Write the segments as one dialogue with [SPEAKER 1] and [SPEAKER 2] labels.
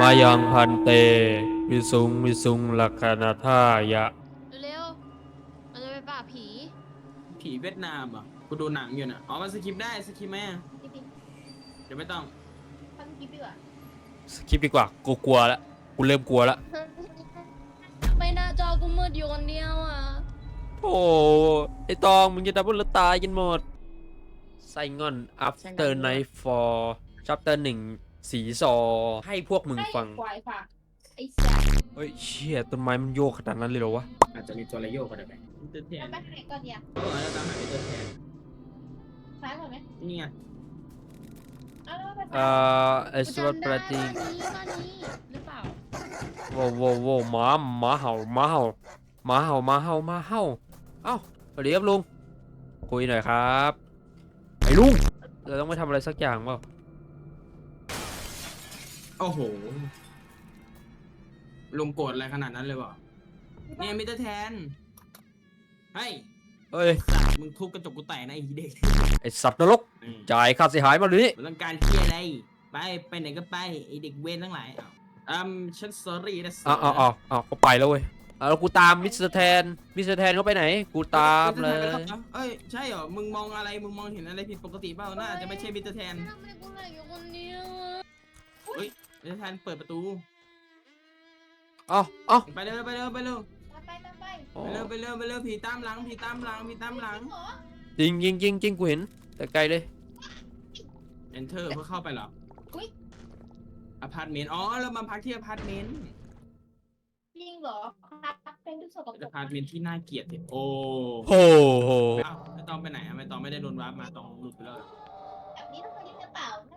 [SPEAKER 1] มายังพันเตวิสุงลักขณทายะ
[SPEAKER 2] เร็วๆเราจะไปป่าบผี
[SPEAKER 3] ผีเวียดนามเหรอ่ะกูดูหนังอยู่น่ะอ๋อมันสคิปได้สคิปไหมอะ
[SPEAKER 2] พี่ปิ๊ก
[SPEAKER 3] เดี๋ยวไม่ต้อง
[SPEAKER 2] ทำคลิปดีกว่า
[SPEAKER 1] สคิปดีกว่ากูกลัวแล้วกูเริ่มกลัวแล้ว
[SPEAKER 2] ไม่น่าจอกูมืดอยู่คนเดียวอ่ะ
[SPEAKER 1] โอ้ไอตองมึงจะดับเบิลตายกันหมดไซงอน after nightfall chapter 1สีซอให้พวกมึงฟัง
[SPEAKER 2] ควายฝากไอ้สัส
[SPEAKER 1] เฮ้ยเชี่ยต้นไม้มันโยกขนาดนั้นเลยเหรอวะ
[SPEAKER 3] อาจจะมีตัวระโยกก็ได้ไหมมิสเตอร์แทน
[SPEAKER 2] ไปไหนก่อนเนี่ย
[SPEAKER 3] เออแล้วตามหามิสเตอร์แทน
[SPEAKER 2] ซ้ายก่อนไหม
[SPEAKER 3] นี่ไง
[SPEAKER 2] เอาแล้วไป
[SPEAKER 1] ไอสวัสดิ์ประติ
[SPEAKER 2] บ้านนี้หรือเปล่า
[SPEAKER 1] โว้หมาเห่าเอ้าสวัสดีครับลุงคุยหน่อยครับไอ้ลุงเราต้องไปทำอะไรสักอย่างเปล่า
[SPEAKER 3] โอ้โหลุงโกรธอะไรขนาดนั้นเลยวะเนี่ยมิสเตอร์แทนเฮ้ย
[SPEAKER 1] เฮ้ย
[SPEAKER 3] สัตว์มึงทุบกระจกกูแตกนะไอ้เด็ก
[SPEAKER 1] ไอสัตว์นรกจ่ายค่าเสียหายมาเลย
[SPEAKER 3] มึงต้องการเที่ยอะไรไปไหนก็ไปไอ้เด็กเวรทั้งหลายฉัน sorry นะ
[SPEAKER 1] อ้าวก็ไปแล้วเว้ยแล้วกูตามมิสเตอร์แทนเขาไปไหนกูตามเลย
[SPEAKER 3] เอ้ยใช่เหรอมึงมองอะไรมึงมองเห็นอะไรผิดปกติเปล่าน่าจะไม่ใช่มิสเตอร์แทน
[SPEAKER 2] ทำไมกูเหลืออยู่คนเดียวอะ
[SPEAKER 3] เฮ้ยมิสเตอร์แทนเปิดประตู
[SPEAKER 1] เอ้า
[SPEAKER 3] ไปเร็ว
[SPEAKER 2] ตามไป
[SPEAKER 3] ไปเร็วผีตามหลัง
[SPEAKER 2] เหรอ
[SPEAKER 1] จริงกูเห็นแต่ไกลเลย
[SPEAKER 3] enter เพื่อเข้าไปเหรออพาร์ตเมนต์อ๋อเรามาพักที่อพาร์ตเมนต์
[SPEAKER 2] จริงเหรอครับเป็นทุกสกปร
[SPEAKER 3] อก พาร์ตเมนต์ที่น่าเกลียดโอ้
[SPEAKER 1] โอ้โห
[SPEAKER 3] อ้าวไม่ต้องไปไหนไม่ต้องไม่ได้โดนวาร์ปมาต้องหลุดไปแล้ว
[SPEAKER 2] แบบนี้ต้องไปที่กระเป๋านะ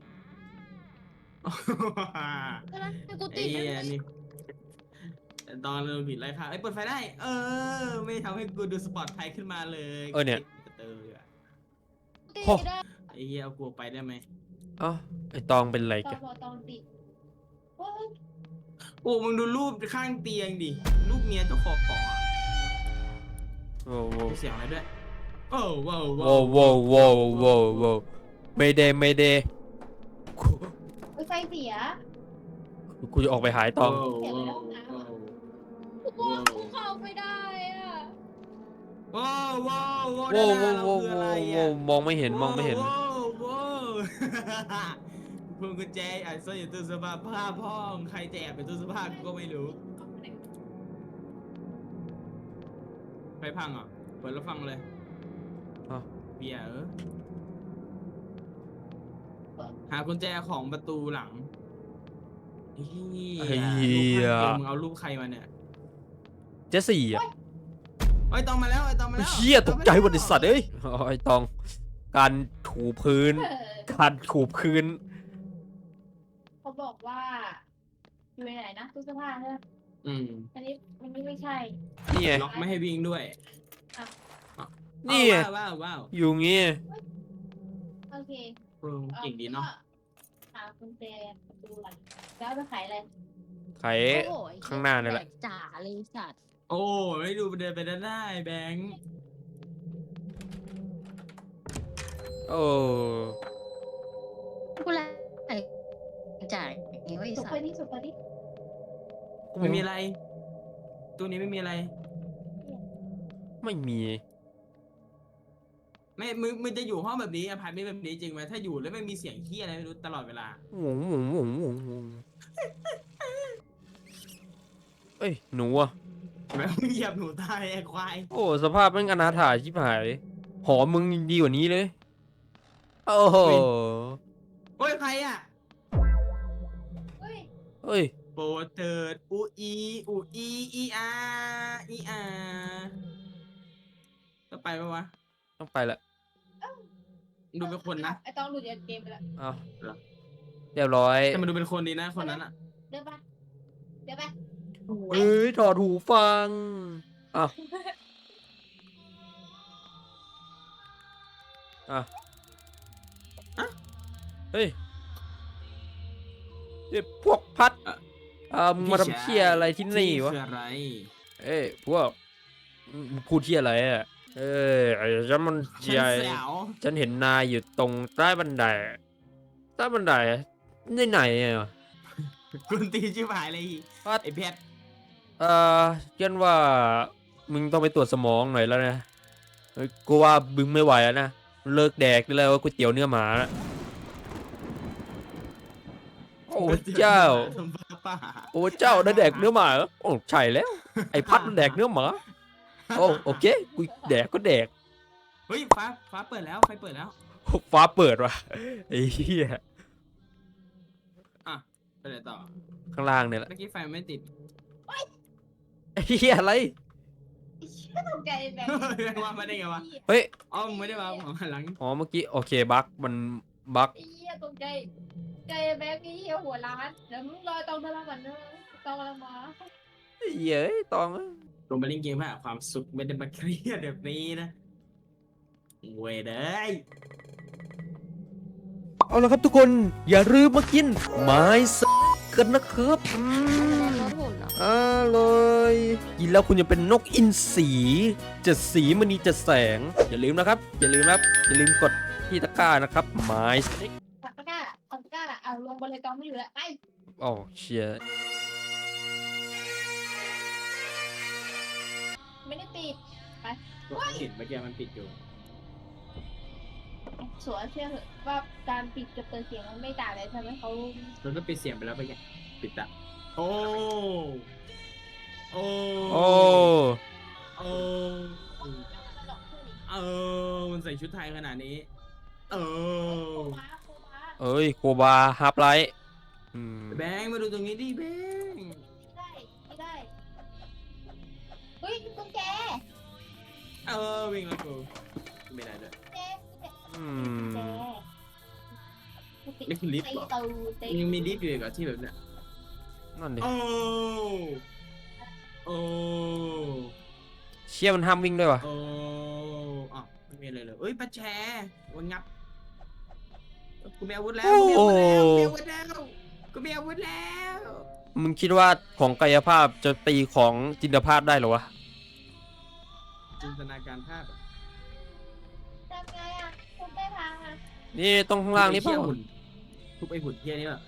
[SPEAKER 3] ไ
[SPEAKER 2] ก็แล้วให้กู
[SPEAKER 3] อ้
[SPEAKER 2] ติด
[SPEAKER 3] เหี้ย
[SPEAKER 2] นะ
[SPEAKER 3] นี่ตอนเราผิดไรค่ะเปิดไฟได้ไม่ทำให้กูดูสปอร์ตไทยขึ้นมาเลย
[SPEAKER 1] เนี่ย
[SPEAKER 2] ติด
[SPEAKER 1] โอ้
[SPEAKER 2] ได้
[SPEAKER 3] ไอ้เหี้ยเอากูไปได้ไหม
[SPEAKER 1] เอ้าไอตองเป็นไร
[SPEAKER 2] ตอ
[SPEAKER 1] กัน
[SPEAKER 2] นตอนติดโอ้ย
[SPEAKER 3] โอ้มึงดูรูปข้างเตียงดิรูปเมียเจ้าของอ่ะ
[SPEAKER 1] โอ้โห
[SPEAKER 3] มีเสียงอะไรด้วยโอ้ว้าว
[SPEAKER 1] โว้ไม่เดกู
[SPEAKER 2] ไฟเสีย
[SPEAKER 1] กูจะออกไปหายตอง
[SPEAKER 2] กูว่ากูเข้าไม่ได้อ่ะ
[SPEAKER 3] ว้าวว้าว
[SPEAKER 1] โว้
[SPEAKER 3] ว้าว
[SPEAKER 1] โว้มองไม่เห็น
[SPEAKER 3] ว้าวพวงกุญแจอ่ะซ่อนอยู่ตู้เสื้อผ้าผ้าพ่องใครจะแอบเป็นตู้เสื้อผ้ากูก็ไม่รู้ไฟพังอ่ะเปิดแล้วฟังเลยเบียร์หากุญแจของประตูหลังมึงเอารูปใครมาเนี่ย
[SPEAKER 1] เจสี่อ่ะ
[SPEAKER 3] ไอ้ตองมาแล้วไอ้ตองมาแล้ว
[SPEAKER 1] เชี่ยตกใจวันไอสัตว์เอ้ยไอตองการถูพื้น
[SPEAKER 2] เขาบอกว่าอยู่ไหนนะตู้เสื้อผ้าใช่ไหมอันนี้ไม่ใช่
[SPEAKER 1] นี่ไง
[SPEAKER 3] ล็อกไม่ให้วิ่งด้วย
[SPEAKER 1] นี่
[SPEAKER 3] ว้าว
[SPEAKER 1] อยู่งี้
[SPEAKER 2] โอเค
[SPEAKER 3] เก่งดีเนาะ
[SPEAKER 2] หากุญแจประตูหลังแล้วไปขายอะไร
[SPEAKER 1] ไขข้างหน้านี่แหละ
[SPEAKER 2] จ่าเลยสัตว์
[SPEAKER 3] โอ้ไม่ดูเดินไปได้แบงค์
[SPEAKER 1] โอ้
[SPEAKER 2] กูแลจ่ายอย่างนี้ไว้สัตว์สุดไปดิ
[SPEAKER 3] ไม่มีอะไรตัวนี้ไม่มีอะไร
[SPEAKER 1] ไม่มี
[SPEAKER 3] ไม่มึงจะอยู่ห้องแบบนี้อพาร์ตเมนต์แบบนี้จริงไหมถ้าอยู่แล้วไม่มีเสียงขี้อะไรไม่รู้ตลอดเวลา
[SPEAKER 1] เอ้ยหนูอ่ะ
[SPEAKER 3] แบบมึงเหยียบหนูตายไอ้ควาย
[SPEAKER 1] โอ้สภาพมันอนาถาชิบหายหอมึงดีกว่านี้เลยโอ้โห
[SPEAKER 3] โอ้ยใครอ่ะ
[SPEAKER 1] เฮ้ย
[SPEAKER 3] โปรดเถิดอีอาก็ไปปะวะ
[SPEAKER 1] ต้องไปละ
[SPEAKER 3] ดูเป็นคนนะ
[SPEAKER 2] ไอต้องหลุดจากเกมไปแล้ว
[SPEAKER 1] เอาเรียบร้อย
[SPEAKER 3] แต่มันดูเป็นคนดีนะคนนั้นอ่ะ
[SPEAKER 2] เดี๋ยวไป
[SPEAKER 1] เอ้ยถอดหูฟังอ่ะเฮ้ยพวกพัดมึงมาทำเชี่ยอะไรที่นี่วะ
[SPEAKER 3] คืออะไร
[SPEAKER 1] เอ้ยพวกมึงพูดเชี่ยอะไรอ่ะฉันมันใหญ่
[SPEAKER 3] แสว
[SPEAKER 1] ฉันเห็นนายอยู่ตรงใต้บันไดในไหนอ่ะ
[SPEAKER 3] กุนตีนชิบหายเลย
[SPEAKER 1] ว่า
[SPEAKER 3] ไอ้เพชร
[SPEAKER 1] เช่นว่ามึงต้องไปตรวจสมองหน่อยแล้วนะเฮ้ยกูว่ามึงไม่ไหวแล้วนะเลิกแดกได้แล้วก๋วยเตี๋ยวเนื้อหมานะโอ้เจ้า
[SPEAKER 3] ทำบ้าป่า
[SPEAKER 1] โอ้เจ้าได้แดกเนื้อหมาเหรอโอ้ใช่แล้วไอ้พัดมันแดกเนื้อหมาโอ้โอเคกูแดกก็แดก
[SPEAKER 3] เฮ้ยฟ้าเปิดแล้วไฟเปิดแล้ว
[SPEAKER 1] ฟ้าเปิดว่ะไอ้เหี้ย
[SPEAKER 3] อ่ะไปไหนต่อ
[SPEAKER 1] ข้างล่างเนี่ยแหละ
[SPEAKER 3] เมื่อกี้ไฟมันไม่ติด
[SPEAKER 1] ไอ้เหี้ยอะไร
[SPEAKER 2] ก็ตกใจแบบ
[SPEAKER 3] ว่ามาได้ไงวะ
[SPEAKER 1] เฮ้ย
[SPEAKER 3] อ๋อมึงไม่ได้มาผมหันหลัง
[SPEAKER 1] อ๋อเมื่อกี้โอเคบั๊กมันบั๊ก
[SPEAKER 2] ไอ้เหี้ยตกใจใจแบบนี้เหี้ยหัวร้านเดี๋ยวมึงรอตองมาแล้วก่อนนะตองกำลังมา
[SPEAKER 1] ไอ้เหี้ยเอ้ยตอง
[SPEAKER 3] ลงไปเล่นเกมเพื่อหาความสุขไม่ได้มาเครียดแบบนี้นะเว้ยเด้ย
[SPEAKER 1] เอาละครับทุกคนอย่าลืมมากินไม้สกันนะครับ
[SPEAKER 4] ลดหุ่นเหรอ
[SPEAKER 1] อร่อยกินแล้วคุณจะเป็นนกอินทรีจะสีมณีจะแสง อย่าลืมนะครับ อย่าลืมนะครับ อย่าลืมกดที่ตะกร้านะครับไม้สเต็ก
[SPEAKER 2] ตะกร้าเอาตะกร้าเอาลงบนเลยตองไม่อยู่แล้วไป
[SPEAKER 1] โอ้เชีย
[SPEAKER 2] ไม่ได้ปิด
[SPEAKER 3] ก็เห็นเมื่อกี้มันปิดอยู่
[SPEAKER 2] สวนเชื่อเถอะว่าการปิดกับเปิดเสียงมันไม่ต่างเลยทำให้เขา
[SPEAKER 3] มันก็ปิดเสียงไปแล้วไปแกปิดอะโอ้โอ้
[SPEAKER 1] โอ้
[SPEAKER 3] โอ้มันใส่ชุดไทยขนาดนี้
[SPEAKER 2] โ
[SPEAKER 3] เอ
[SPEAKER 2] ค
[SPEAKER 3] อ
[SPEAKER 2] ม้าโคม้า
[SPEAKER 1] เอ้ยโคบาฮาร์ปไลท์อืม
[SPEAKER 3] แบงค์มาดูตรงนี้ดิแบงค์
[SPEAKER 2] ไม่ได้เฮ้ยตุ๊กแก
[SPEAKER 3] วิ่งแล้วกูไม่ได้ด้วย
[SPEAKER 2] แก
[SPEAKER 1] อืม
[SPEAKER 3] นี่คือลิฟต์เหรอ ยังมีลิฟต์อยู่อีกเหรอที่แบบเนี้ย
[SPEAKER 1] นั่นดิ
[SPEAKER 3] โอ้โอ้
[SPEAKER 1] เชี่ยมันห้ามวิ่งด้วยวะ
[SPEAKER 3] โอ้อ๋อไม่มีอะไรเลยเอ้ยปลาแชวันงับกูมีอาวุธแล้วกูมีอาวุธแล้วกูมีอาวุธแล้ว
[SPEAKER 1] มึงคิดว่าของกายภาพจะตีของจินตภาพได้เหรอวะ
[SPEAKER 3] จินตนาการภาพ
[SPEAKER 2] ทำไงอ่ะคุณไม่พังอ่ะ
[SPEAKER 1] นี่ตรงข้างล่างนี่เปล่า
[SPEAKER 3] ทุบไอ้หุ่นเฮียนี่ป่ะ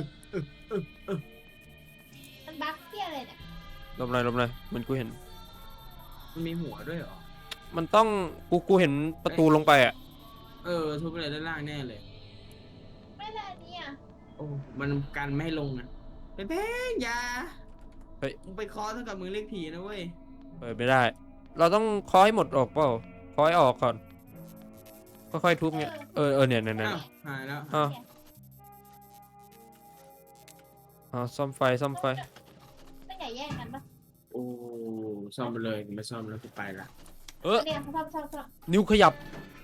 [SPEAKER 2] มันบั๊กเที่ยอะไรเนี่ย
[SPEAKER 1] หลบหน่อยหลบหน่อยมันกูเห็น
[SPEAKER 3] มันมีหัวด้วยเหรอ
[SPEAKER 1] มันต้องกูเห็นประตูลงไปอ่ะ
[SPEAKER 3] ทุบอะไรด้านล่างแน่เลย
[SPEAKER 2] ไม่ได้เนี่ย
[SPEAKER 3] โอ้มันกันไม่ให้ลงอ่ะไปแพ้ยา
[SPEAKER 1] เฮ้ย
[SPEAKER 3] มึงไปคอเท่ากับมึงเรียกผีนะเว้ย
[SPEAKER 1] เปิดไม่ได้ เราต้องเคาะให้หมดออกเปล่าเคาะให้ออกก่อนค่อยๆทุบเนี่ยเนี่ยเนี่ย
[SPEAKER 3] อ้าวหายแล้ว
[SPEAKER 1] อ้าวซ่อมไฟซ่อมไฟ
[SPEAKER 2] ไม่ใหญ่แย่งกันปะ
[SPEAKER 3] โอ้ซ่อมไปเลยไม่ซ่อมแล้วกูไปละ
[SPEAKER 2] เนี่ยเขาชอบ
[SPEAKER 1] นิ้วขยับ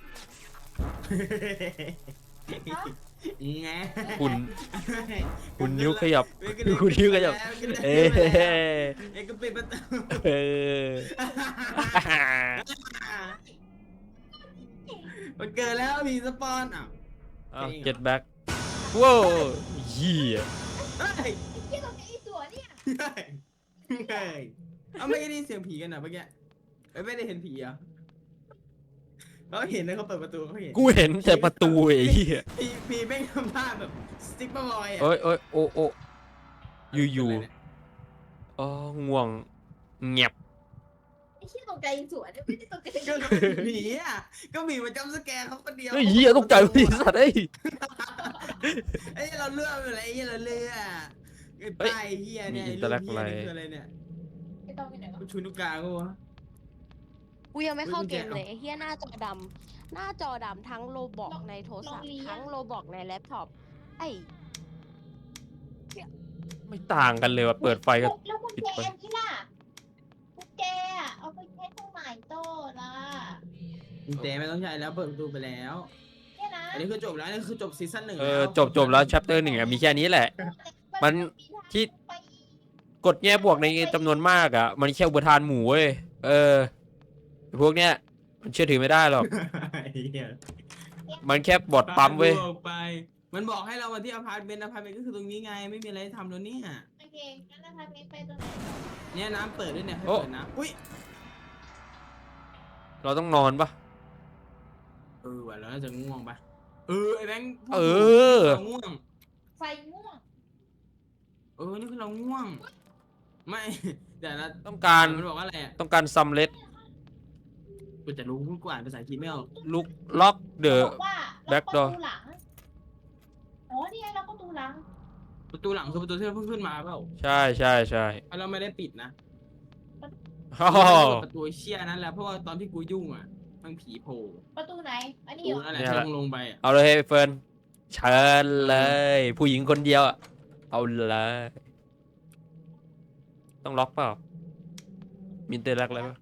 [SPEAKER 3] ไง
[SPEAKER 1] คุณนิ้วขยับ คุณนิ้วขยับ เอ้ย
[SPEAKER 3] เอ้ยก็ปิดประตู
[SPEAKER 1] เออ
[SPEAKER 3] มันเกิดแล้วผีสปอนอ่ะ
[SPEAKER 1] เก็ตแบ็กว้าวเหี้ย
[SPEAKER 3] เฮ้ย
[SPEAKER 2] เที่ยตรงนี้ไอ้ตัวเนี่ย
[SPEAKER 3] เฮ้ยเฮ้ยเอาไม่ได้ยินเสียงผีกันเหรอเมื่อกี้ไม่ได้เห็นผีอ่ะเขาเห็นนะเขาเปิดประตูเขาเห็น
[SPEAKER 1] กูเห็นแต่ประตูไอ้เหี้ย
[SPEAKER 3] ผีแม่งทำท่าแบบสติ๊กเปอร์บอยอ่ะ
[SPEAKER 1] เอ้ยโอ้อยู่อ๋อง่วงเงียบ
[SPEAKER 2] ไอ้เที่ยตรงใจสวนเนี่ยไม่ได้ตรงใจ
[SPEAKER 3] ก็ผีอ่ะก็ผีมาจำสแกร์เขาคนเดียว
[SPEAKER 1] เฮ้ยเหี้ยตกใจพี่สัตว์เอ้ย
[SPEAKER 3] ไอ้เราเลือกอะไรไอ้เราเลือกไอ้ป้ายเฮียเนี่ย
[SPEAKER 1] มี
[SPEAKER 3] ไอ้
[SPEAKER 1] อินเตอร์แล
[SPEAKER 3] ลู
[SPEAKER 1] ก
[SPEAKER 3] ก
[SPEAKER 1] อะไร
[SPEAKER 3] เฮียนี่คืออะไรเนี่ย
[SPEAKER 2] ไอ้ตรงอยู่ไหนวะ
[SPEAKER 3] ชูนุกกาก็วะ
[SPEAKER 4] กูยังไม่เข้าเกม
[SPEAKER 3] เฮ้ย
[SPEAKER 4] เลยไอ้เฮียหน้าจอดำหน้าจอดำทั้งโลบอกในโทรศัพท์ทั้งโลบอกในแล็ปท็อปไอ้
[SPEAKER 1] ไม่ต่างกันเลยว่ะเปิดไฟก็
[SPEAKER 2] แล้วกุญแจอันนี้ล่ะกุญแจอะเอาไปใช้ตรงไหนโต้ล่ะ
[SPEAKER 3] กุญแจไม่ต้องใช้แล้วเปิดประตูไปแล้ว
[SPEAKER 2] เนี่ยนะ
[SPEAKER 3] อันนี้คือจบแล้วอันนี้คือจบซีซั่นหนึ่ง
[SPEAKER 1] จบแล้ว chapter 1อ่ะมีแค่นี้แหละ มันที่ กดแง่บวกในจำนวนมากอ่ะ มันแค่อุปทานหมู่เว้ยพวกเนี้ยมันเชื่อถือไม่ได้หรอก มันแค่บอทปั๊มเว้ย
[SPEAKER 3] ออกไป มันบอกให้เรามาที่อพาร์ตเมนต์ก็คือตรงนี้ไงไม่มีอะไรทำแล้วเนี่ย
[SPEAKER 2] โอเคงั้นเราทำไปตรงไหน
[SPEAKER 3] เนี่ยน้ำเปิดด้วยเนี่ยให้
[SPEAKER 1] โอ้
[SPEAKER 3] เปิดน้ำอุ้ย
[SPEAKER 1] เราต้องนอนปะ
[SPEAKER 3] ว่ะเราน่าจะง่วงปะไอ้แบงค์
[SPEAKER 1] เออ
[SPEAKER 3] ง่วง
[SPEAKER 2] ไฟม่วง
[SPEAKER 3] นี่คือเราง่วง ไม่แต่ละ
[SPEAKER 1] ต้องการ
[SPEAKER 3] มันบอกว่าอะไรอ่ะ
[SPEAKER 1] ต้องการซัมเลต
[SPEAKER 3] กูจะรู้กูอ่านภาษาอังกฤษไม่ออก
[SPEAKER 1] ลุกล็อกเดอะ
[SPEAKER 2] บอกว่า
[SPEAKER 1] back
[SPEAKER 2] ล็อก
[SPEAKER 1] door
[SPEAKER 2] ประตูหลังอ๋อนี่ไงล็อกประตูหลัง
[SPEAKER 3] ประตูหลังคือประตูที่เราเพิ่งขึ้นมาเปล่า
[SPEAKER 1] ใช่ใช่ใช่
[SPEAKER 3] เราไม่ได้ปิดนะ
[SPEAKER 1] ฮ่า
[SPEAKER 3] ไม่ได้เปิดประตูเชี่ยนั้นแหละเพราะว่าตอนที่กูยุ่งอ่ะมันผีโผล่
[SPEAKER 2] ประตูไหนอันนี้
[SPEAKER 3] กู
[SPEAKER 2] เหรอ
[SPEAKER 3] นั่นแหละที่ลงไปอ่ะ
[SPEAKER 1] เอาเลยเฟิร์นเชิญเลย ผู้หญิงคนเดียวอะเอาเลยต้องล็อกเปล่ามินเตอร์ล็อกอะไรปะ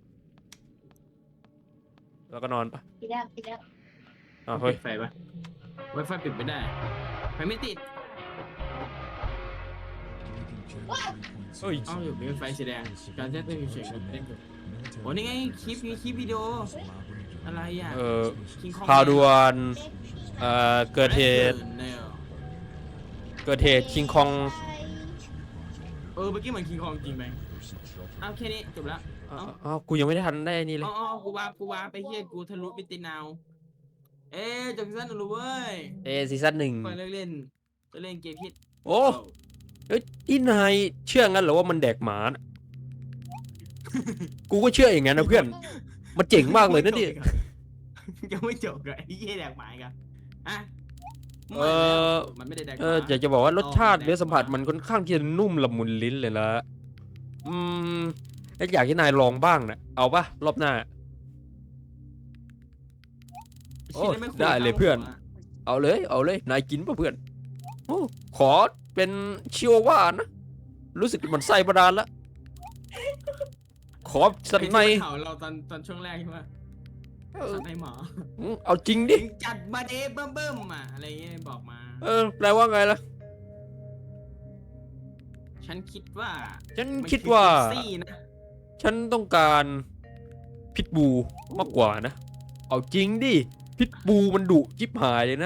[SPEAKER 1] แล้วก็นอนปะ
[SPEAKER 2] ปิดแล้วปิดแล้ว
[SPEAKER 1] อ้าวเฮ้ย
[SPEAKER 3] ปิดไฟปะไวไฟปิดไม่ได้ไฟไม่ติด
[SPEAKER 1] เฮ้ย
[SPEAKER 3] เอ้าอยู่เป็นไฟสีแดงการแจ้งเตือนเฉยๆเล่นอยู่โอ้นี่ไงคลิปวิดีโออะไรอ่ะ King Kong
[SPEAKER 1] ข่าวด่วนเกิดเหตุ
[SPEAKER 3] เนี่ย
[SPEAKER 1] เกิดเหตุคิงคอง
[SPEAKER 3] เมื่อกี้เหมือนคิงคองจริงไหมเอาแค่นี้จบละ
[SPEAKER 1] อ้าวกูยังไม่ได้ทันได้นี่เลย
[SPEAKER 3] อ๋อกูว่าไปเฮียกูทะลุมิตินาวจบซีซั่นหนึ่งแล้วเว้ย
[SPEAKER 1] ซีซั่นหนึ่ง
[SPEAKER 3] ก่อนเลิกเล่นจะเล่นเกมพิษ
[SPEAKER 1] โอ้เอ้ยที่นายเชื่องั้นเหรอว่ามันแดกหมาน่ะกูก็เชื่ออย่างนั้นนะเพื่อน มันเจ๋งมากเลยนะดิ
[SPEAKER 3] ยังไม่จบกับไอ้เหี้ยแดกหมายกันอ่ะ มันไม่ได้แดกหมา
[SPEAKER 1] อยากจะบอกว่ารสชาติเนื้อสัมผัสมันค่อนข้างที่จะนุ่มละมุนลิ้นเลยละอยากให้นายลองบ้างนะเอาปะรอบหน้า โอ้
[SPEAKER 3] ชิ้นนั้นม่ควร
[SPEAKER 1] ได้เลยเพื่อน
[SPEAKER 3] ข้าหัว
[SPEAKER 1] เอาเลยนายกินป่ะเพื่อนโอ้ขอเป็นชิวาว่านะรู้สึกมันไส้ประดานละขอสันใน
[SPEAKER 3] ไอ้ที่มันเห่าเราตอนช่วงแรกใช่ไหมสันในหมอ
[SPEAKER 1] เอาจริงดิ
[SPEAKER 3] จัดมาเดเบิ่มๆอ่ะอะไรเงี้ยบอกมา
[SPEAKER 1] แปลว่าไงล่ะ
[SPEAKER 3] ฉันคิดว่า
[SPEAKER 1] ฉัน
[SPEAKER 3] มัน
[SPEAKER 1] คิดว่า
[SPEAKER 3] อ Pepsi นะ
[SPEAKER 1] ฉันต้องการพิทบูมากกว่านะ เอาจริงดิ พิทบูมันดุจิบหายเลยนะ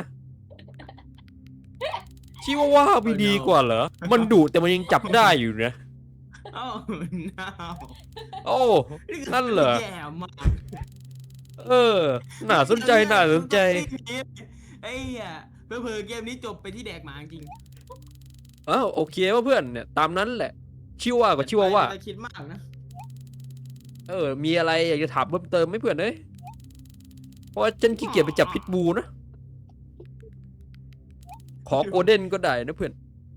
[SPEAKER 1] ชิวาว่าไม่ดีกว่าเหรอ มันดุแต่มันยังจับได้อยู่นะ
[SPEAKER 3] อ้าวน้าว
[SPEAKER 1] โอ้ นั่นเหรอ
[SPEAKER 3] แย่มาก
[SPEAKER 1] น่าสนใจ
[SPEAKER 3] ไอ้เหี้ยเผื่อๆเกมนี้จบไปที่แดกหมาจริง
[SPEAKER 1] อ้าวโอเคว่าเพื่อนเนี่ยตามนั้นแหละ ชิวากับชิวาว่า
[SPEAKER 3] แต่คิดมากนะ
[SPEAKER 1] มีอะไรอยากจะถามเพิ่มเติมไหมเพื่อนเอ้ยเพราะว่าฉันขี้เกียจไปจับพิทบูนะ ขอโกลเด้นก็ได้นะเพื่อน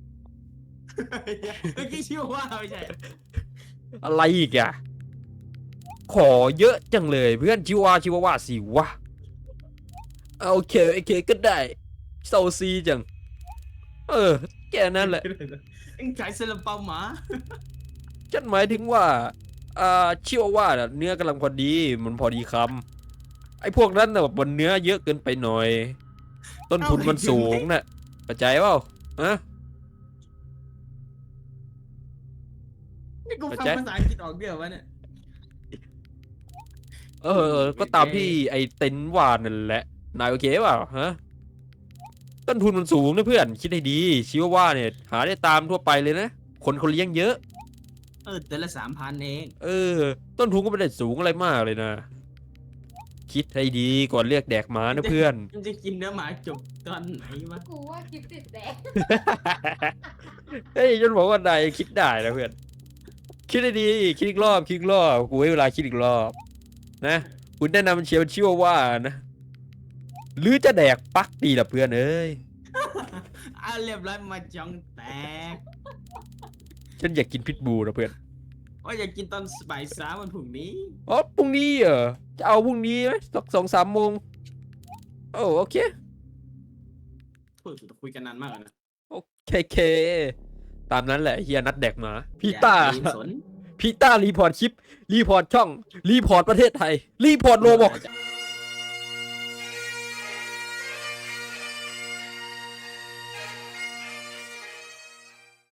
[SPEAKER 3] เมื่อกี้ชื่อว่าไม่ใช่
[SPEAKER 1] อะไรอีกอะขอเยอะจังเลยเพื่อนชิวาว่าสิวะโอเคก็ได้เซาซีจัง แค่นั้นแหละ
[SPEAKER 3] เอ็งขายซาลาเปาหมา
[SPEAKER 1] ฉันหมายถึงว่าชิวาว่าน่ะเนื้อกำลังพอดีมันพอดีคำไอ้พวกนั้นน่ะแบบมันเนื้อเยอะเกินไปหน่อย ต้นทุนมันสูงน่ะเข้าใจเปล่าฮะ
[SPEAKER 3] นี่กูฟังภาษาอังกฤษออกเดียววะเนี่ย
[SPEAKER 1] ก็ตามที่ไอ้เต็นท์ว่านั่นแหละนายโอเคเปล่าฮะต้นทุนมันสูงนะเพื่อนคิดให้ดีชิวาว่าเนี่ยหาได้ตามทั่วไปเลยนะคนเขาเลี้ยงเยอะ
[SPEAKER 3] แต่ละ3,000เอง
[SPEAKER 1] ต้นทุนก็ไม่ได้สูงอะไรมากเลยนะ คิดให้ดีก่อนเรียกแดกหมานะเพื่อน
[SPEAKER 3] มันจะกินเนื้อหมาจบตอนไหนวะ
[SPEAKER 2] กูว่าคลิปติดแดง
[SPEAKER 1] เฮ้ยจนบอกว่านายคิดได้นะเพื่อน คิดให้ดีคิดอีกรอบกูให้เวลาคิดอีกรอบนะคุณแนะนำเชียวชิวาว่านะหรือจะแดกปักดีล่ะเพื่อนเอ้ย
[SPEAKER 3] เรียบร้อยมาจองแตก
[SPEAKER 1] ฉันอยากกินพิทบูนะเพื่อน
[SPEAKER 3] ว่าอยากกินตอนบ่ายสามวันพรุ่งนี้
[SPEAKER 1] อ๋อพรุ่งนี้เหรอจะเอาพรุ่งนี้ไหมสัก2-3 โมงโอเค
[SPEAKER 3] คุยกันนานมากเลยนะ
[SPEAKER 1] เคตามนั้นแหละเฮียนัดแดกหมาพี่ต้า
[SPEAKER 3] อย่รีบสน
[SPEAKER 1] รีพอร์ตคลิปรีพอร์ตช่องรีพอร์ตประเทศไทยรีพอร์ตโลบอก
[SPEAKER 3] จะ